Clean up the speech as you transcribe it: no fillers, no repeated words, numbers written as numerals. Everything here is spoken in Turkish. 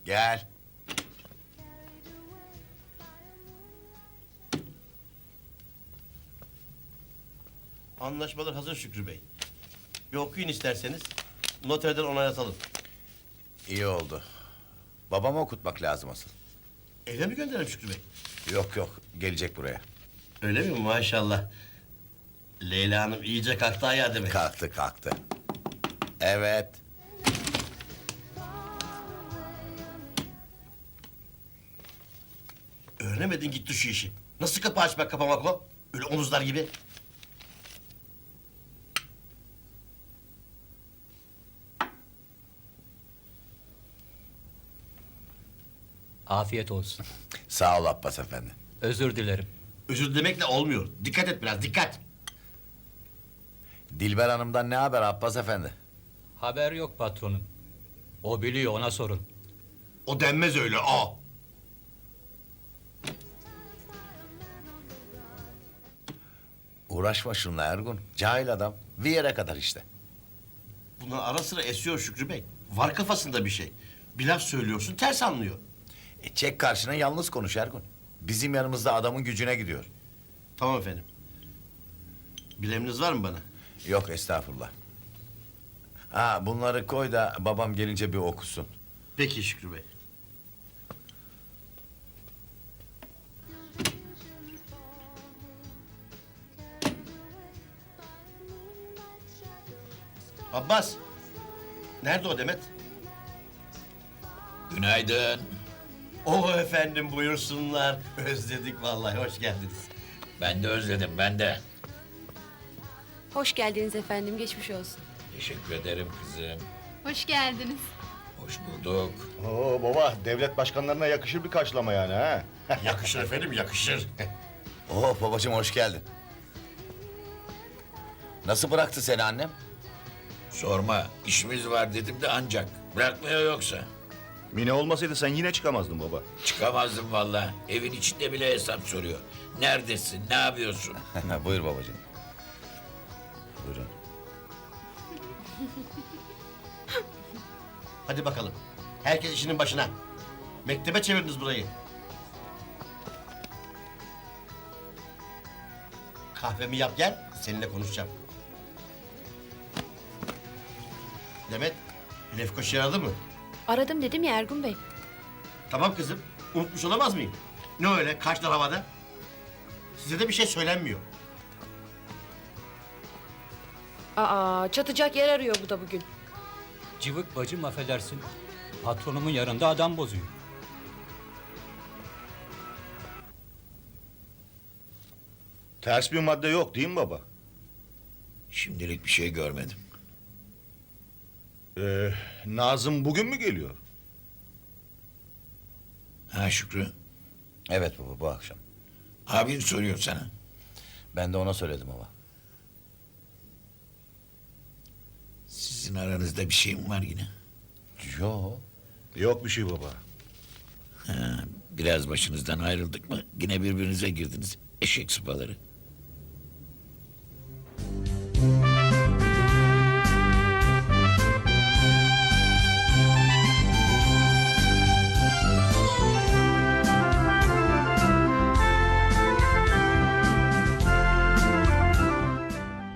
Gel. Anlaşmalar hazır Şükrü Bey. Bir okuyun isterseniz. Noterden onaylatalım. İyi oldu. Babamı okutmak lazım asıl. Eve mi gönderelim Şükrü Bey? Yok yok, gelecek buraya. Öyle mi? Maşallah. Leyla Hanım iyice kalktı ayağa demek. Kalktı kalktı. Evet. Öğrenemedin gitti şu işi. Nasıl kapı açmak kapamak o? Öyle omuzlar gibi. Afiyet olsun. Sağ ol Abbas efendi. Özür dilerim. Özür dilemekle olmuyor. Dikkat et biraz, dikkat. Dilber Hanım'dan ne haber Abbas efendi? Haber yok patronum. O biliyor, ona sorun. O denmez öyle, o. Uğraşma şunla Ergun. Cahil adam. Bir yere kadar işte. Bunlar ara sıra esiyor Şükrü Bey. Var kafasında bir şey. Bir laf söylüyorsun, ters anlıyor. Çek karşına yalnız konuş Ergun. Bizim yanımızda adamın gücüne gidiyor. Tamam efendim. Bir emriniz var mı bana? Yok estağfurullah. Ha bunları koy da babam gelince bir okusun. Peki Şükrü Bey. Abbas. Nerede o Demet? Günaydın. O efendim buyursunlar. Özledik vallahi, hoş geldiniz. Ben de özledim, ben de. Hoş geldiniz efendim, geçmiş olsun. Teşekkür ederim kızım. Hoş geldiniz. Hoş bulduk. Oo baba, devlet başkanlarına yakışır bir karşılama yani ha. Yakışır efendim, yakışır. Oh babacığım hoş geldin. Nasıl bıraktı seni annem? Sorma, işimiz var dedim de ancak. Bırakmıyor yoksa. Mine olmasaydı sen yine çıkamazdın baba. Çıkamazdım vallahi. Evin içinde bile hesap soruyor. Neredesin, ne yapıyorsun? Buyur babacığım. Buyurun. Hadi bakalım. Herkes işinin başına. Mektebe çevirdiniz burayı. Kahvemi yap gel, seninle konuşacağım. Demet, Lefkoş aradı mı? Aradım dedim ya Ergun Bey. Tamam kızım, unutmuş olamaz mıyım? Ne öyle, kaşlar havada? Size de bir şey söylenmiyor. Aa, çatacak yer arıyor bu da bugün. Cıvık bacım affedersin. Patronumun yanında adam bozuyor. Ters bir madde yok değil mi baba? Şimdilik bir şey görmedim. Nazım bugün mü geliyor? Ha Şükrü, Evet baba bu akşam. abin soruyor sana. Ben de ona söyledim baba. Sizin aranızda bir şey mi var yine? Yo. Yok bir şey baba. Ha, biraz başınızdan ayrıldık mı yine birbirinize girdiniz. Eşek sıpaları.